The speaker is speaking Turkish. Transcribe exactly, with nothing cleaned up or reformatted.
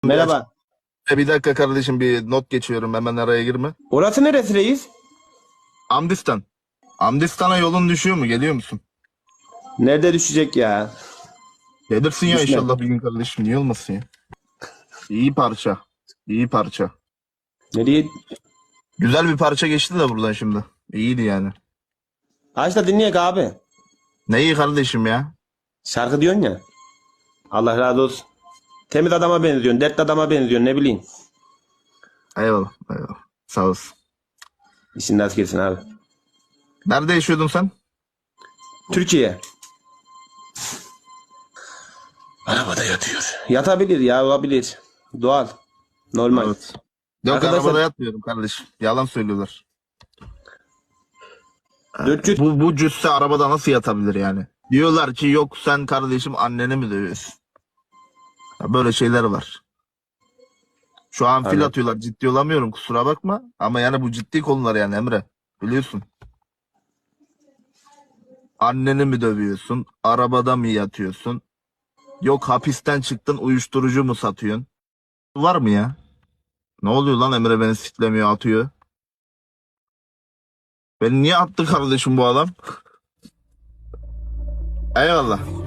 Merhaba. E, Bir dakika kardeşim, bir not geçiyorum, hemen araya girme. Orası neresi reis? Amdistan. Amdistan'a yolun düşüyor mu? Geliyor musun? Nerede düşecek ya? Gelirsin ya Düşme. inşallah bir gün kardeşim. Niye olmasın ya? İyi parça. İyi parça. Nereye? Güzel bir parça geçti de buradan şimdi. İyiydi yani. Aç da dinleyek abi. Ne iyi kardeşim ya. Şarkı diyorsun ya. Allah razı olsun. Temiz adama benziyorsun. Dertli adama benziyorsun. Ne bileyim. Eyvallah. Eyvallah. Sağ olasın. İşin nasıl gelsin abi. Nerede yaşıyordun sen? Türkiye. Arabada yatıyor. Yatabilir ya, olabilir. Doğal. Normal. Evet. Yok, Arkadaşlar- arabada yatmıyorum kardeşim. Yalan söylüyorlar. dört yüz Bu, bu cüsse arabada nasıl yatabilir yani? Diyorlar ki yok sen kardeşim anneni mi dövüyorsun? Ya böyle şeyler var. Şu an fil Aynen. atıyorlar. Ciddi olamıyorum, kusura bakma. Ama yani bu ciddi konular yani Emre. Biliyorsun. Anneni mi dövüyorsun? Arabada mı yatıyorsun? Yok hapisten çıktın, uyuşturucu mu satıyorsun? Var mı ya? Ne oluyor lan, Emre beni siklemiyor, atıyor. Beni niye attı kardeşim bu adam? Eyvallah.